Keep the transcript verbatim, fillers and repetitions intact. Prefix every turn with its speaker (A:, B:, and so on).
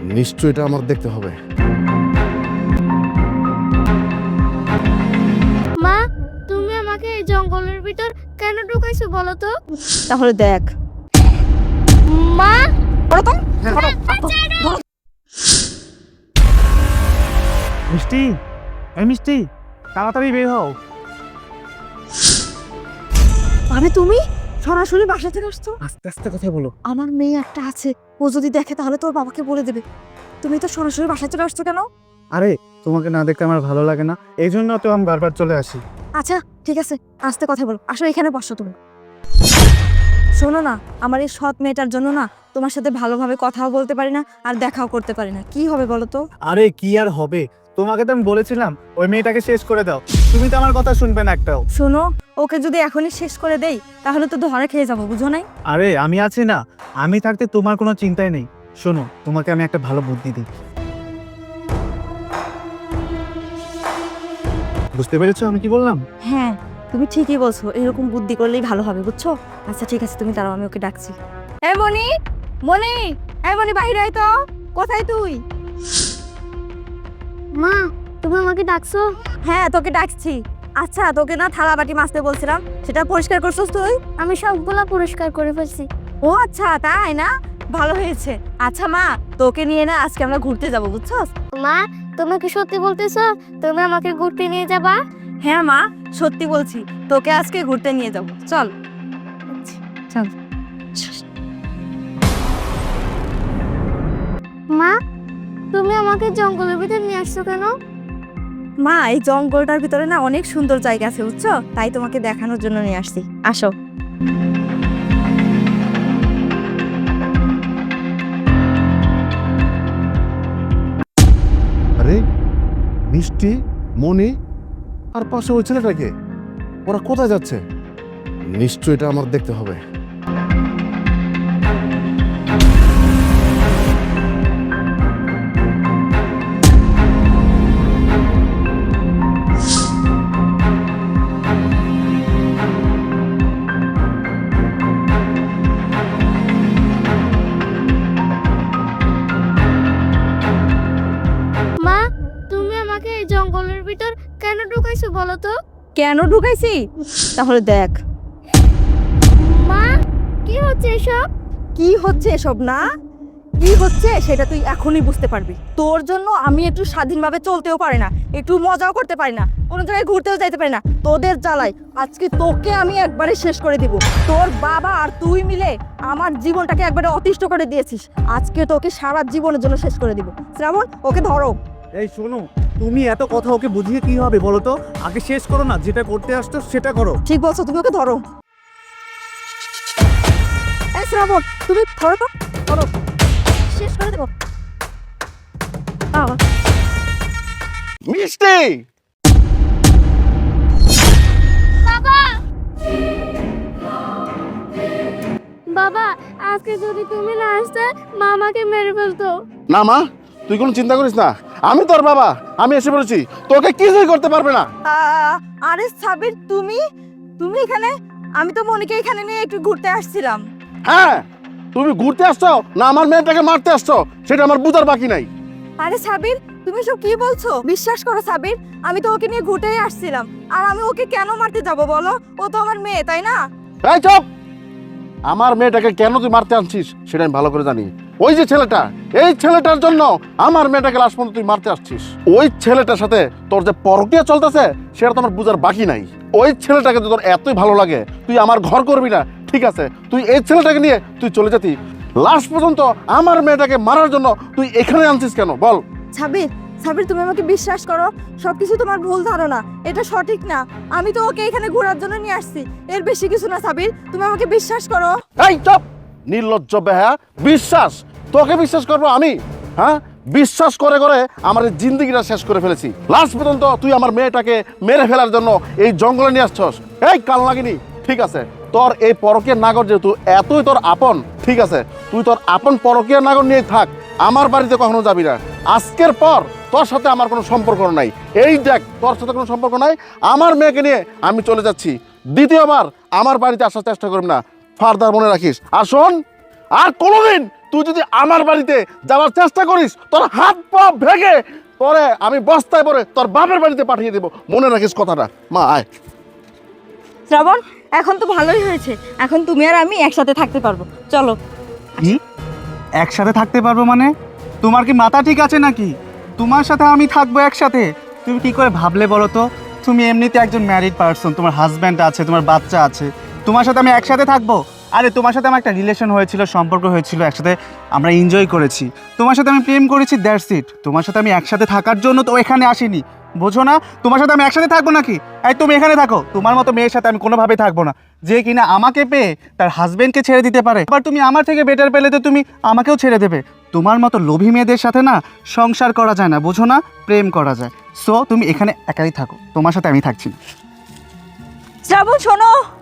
A: নিশ্চয়ই এটা আমার দেখতে হবে।
B: মা, তুমি আমাকে এই জঙ্গলের ভিতর কেন ঢুকাইছো বলো তো?
C: তাহলে দেখ।
B: মা,
D: মিষ্টি, এই মিষ্টি, তাড়াতাড়ি বের হও।
C: মানে তুমি সরাসরি বাসা থেকে আসছো?
D: আস্তে আস্তে কথা বলো।
C: আমার মেয়ে একটা আছে, ও যদি দেখে তাহলে তোর বাবাকে বলে দেবে। তুমি তো সরাসরি বাসায় চলে আসছো কেন?
D: আরে তোমাকে না দেখতে আমার ভালো লাগে না, এই জন্য তো আমি বারবার চলে আসি।
C: আচ্ছা ঠিক আছে, আস্তে কথা বলো। আসো এখানে বসো তুমি। শোনো না, আমার এই সৎ মেয়েটার জন্য না তোমার সাথে ভালোভাবে কথাও বলতে পারি না আর দেখাও করতে পারি না। কি হবে বলো তো?
D: আরে কি আর হবে, তোমাকে তো আমি বলেছিলাম ওই মেয়েটাকে শেষ করে দাও, তুমি তো আমার কথা শুনবে না একটাও।
C: শোনো, ওকে যদি এখনই শেষ করে দেই তাহলে তো ধরে খেয়ে যাবো, বুঝো নাই?
D: আরে আমি আছি না, আমি থাকতে তোমার কোনো চিন্তাই নেই। শোনো, তোমাকে আমি একটা ভালো বুদ্ধি দিই। বুঝতে পেরেছো আমি কি বললাম?
C: হ্যাঁ, তুমি ঠিকই বলছো, এরকম বুদ্ধি করলেই ভালো হবে, বুঝছো? আচ্ছা ঠিক আছে, তুমি দাঁড়াও, আমি ওকে ডাকছি। এ মনি, মনি, এ মনি, বাইরে আয় তো। কোথায় তুই?
B: মা, তুমি আমাকে ডাকছো?
C: হ্যাঁ, তোকে ডাকছি। আচ্ছা, তোকে না থালা বাটি মাজতে বলছিলাম, সেটা পরিষ্কার করছিস তুই?
B: আমি সবগুলা পরিষ্কার করে ফেলছি।
C: ও আচ্ছা, তাই না? ভালো হয়েছে। আচ্ছা মা, তোকে নিয়ে না আজকে আমরা ঘুরতে যাবো, বুঝছস?
B: মা, তুমি কি সত্যি বলতেছো তুমি আমাকে ঘুরতে নিয়ে যাবা?
C: হ্যাঁ মা, সত্যি বলছি, তোকে আজকে ঘুরতে নিয়ে যাবো। চল চল।
B: মা, তুমি আমাকে জঙ্গলের ভিতর নিয়ে আসছো কেন?
C: মা, এই জঙ্গলটার ভিতরে না অনেক সুন্দর জায়গা আছে, বুঝছো? তাই তোমাকে দেখানোর জন্য নিয়ে আসছি। আসো।
A: আরে মিষ্টি, মনি আর পাশে ওই ছেলেটাকে, ওরা কোথায় যাচ্ছে? নিশ্চয়ই এটা আমার দেখতে হবে।
B: মা, তুমি আমাকে এই জঙ্গলের ভিতর কেন ঢুকাইছো বলো তো?
C: কেন ঢুকাইছি? তাহলে দেখ।
B: মা, কি হচ্ছে এসব?
C: কি হচ্ছে এসব না? কি হচ্ছে সেটা তুই এখনই বুঝতে পারবি। তোর জন্য আমি একটু স্বাধীনভাবে চলতেও পারি না, একটু মজাও করতে পারি না, কোনো জায়গায় ঘুরতেও যাইতে পারি না। তোদের জ্বালাই আজকে তোকে আমি একবারে শেষ করে দিব। তোর বাবা আর তুই মিলে আমার জীবনটাকে একবারে অতিষ্ঠ করে দিয়েছিস। আজকে তোকে সারা জীবনের জন্য শেষ করে দিব। শ্রাবণ, ওকে ধরো।
D: এই শোনো, তুমি এত কথা ওকে বুঝিয়ে কি হবে বলো তো? আগে শেষ করো না, যেটা করতে আসছো সেটা করো।
C: ঠিক বলছো, তুমি ওকে ধরো। এই শ্রাবণ, তুমি ধরো তো, ধরো, শেষ করে দেবো। আহ
A: মিষ্টি,
B: বাবা, বাবা, আজকে যদি তুমি না আসতে মা আমাকে মেরে ফেলতো।
A: না মা, তুই কোনো চিন্তা করিস না, আমি তোর বাবা, আমি এসে পড়েছি, তোকে কিছুই করতে পারবে না।
C: আহ, আরে সাবির, তুমি তুমি এখানে? আমি তো মনিকে এখানে নিয়ে একটু ঘুরতে আসছিলাম।
A: হ্যাঁ, তুমি ঘুরতে আসছো না আমার মেয়েটাকে মারতে আসছো সেটা আমার বুঝার বাকি নাই।
C: আরে সাবির, তুমি সব কি বলছো? বিশ্বাস করো সাবির, আমি তো ওকে নিয়ে ঘুরতেই আসছিলাম। আর আমি ওকে কেন মারতে যাব বলো? ও তো আমার মেয়ে, তাই না?
A: এই চুপ! আমার মেয়েটাকে কেন তুই মারতে আনছিস সেটা আমি ভালো করে জানি। ওই যে ছেলেটা, এই ছেলেটার জন্য আমার মেয়েটাকে লাস্ট পর্যন্ত তুই মারতে আসছিস। ওই ছেলেটার সাথে তোর যে পরকীয়া চলতেছে সেটা তো আমার বুঝার বাকি নাই। ওই ছেলেটাকে যদি তোর এতই ভালো লাগে তুই আমার ঘর করবি না, ঠিক আছে, তুই এই ছেলেটাকে নিয়ে তুই চলে যেতি। লাস্ট পর্যন্ত আমার মেয়েটাকে মারার জন্য তুই এখানে আনছিস কেন বল?
C: সাবির, সাবির, তুমি আমাকে বিশ্বাস করো, সবকিছু তোমার ভুল ধারণা, এটা সঠিক না। আমি তো ওকে এখানে ঘোরার জন্য নিয়ে আসছি, এর বেশি কিছু না। সাবির, তুমি আমাকে বিশ্বাস করো।
A: এই চুপ! নির্লজ্জ বেহা! বিশ্বাস? তোকে বিশ্বাস করবো আমি? হ্যাঁ, বিশ্বাস করে করে আমার এই জিন্দগিটা শেষ করে ফেলেছি। লাস্ট পর্যন্ত তুই আমার মেয়েটাকে মেরে ফেলার জন্য এই জঙ্গলে নিয়ে আসছস। এই কাল লাগিনি, ঠিক আছে, তোর এই পরকীয় নাগর যেহেতু এতই তোর আপন, ঠিক আছে, তুই তোর আপন পরকীয় নাগর নিয়ে থাক, আমার বাড়িতে কখনো যাবি না। আজকের পর তোর সাথে আমার কোনো সম্পর্ক নাই। এই দেখ, তোর সাথে কোনো সম্পর্ক নাই, আমার মেয়েকে নিয়ে আমি চলে যাচ্ছি। দ্বিতীয়বার আমার বাড়িতে আসার চেষ্টা করবি না, ফার্দার মনে রাখিস। আর শোন, আর কোনোদিন তুই যদি আমার বাড়িতে যাওয়ার চেষ্টা করিস তোর হাত পা ভেঙে পরে আমি বস্তায় পরে তোর বাপের বাড়িতে পাঠিয়ে দেবো, মনে রাখিস কথাটা। মা আয়।
C: শ্রাবণ, এখন তো ভালোই হয়েছে, এখন তুমি আর আমি একসাথে থাকতে পারবো, চলো।
D: কি একসাথে থাকতে পারবো মানে? তোমার কি মাথা ঠিক আছে নাকি? তোমার সাথে আমি থাকবো একসাথে? তুমি কি করে ভাবলে বলো তো? তুমি এমনিতে একজন ম্যারিড পারসন, তোমার হাজব্যান্ড আছে, তোমার বাচ্চা আছে, তোমার সাথে আমি একসাথে থাকবো? আরে তোমার সাথে আমার একটা রিলেশন হয়েছিল, সম্পর্ক হয়েছিল, একসাথে আমরা এনজয় করেছি, তোমার সাথে আমি প্রেম করেছি, দ্যাটস ইট। তোমার সাথে আমি একসাথে থাকার জন্য তো এখানে আসিনি, বোঝো না? তোমার সাথে আমি একসাথে থাকবো নাকি? এই তুমি এখানে থাকো, তোমার মতো মেয়ের সাথে আমি কোনোভাবেই থাকবো না, যে কিনা আমাকে পেয়ে তার হাজবেন্ডকে ছেড়ে দিতে পারে। আবার তুমি আমার থেকে বেটার পেলে তো তুমি আমাকেও ছেড়ে দেবে। তোমার মতো লোভী মেয়েদের সাথে না সংসার করা যায় না, বোঝো না? প্রেম করা যায়। সো তুমি এখানে একাই থাকো, তোমার সাথে আমি থাকছি না।
C: শ্রাবণ শোনো,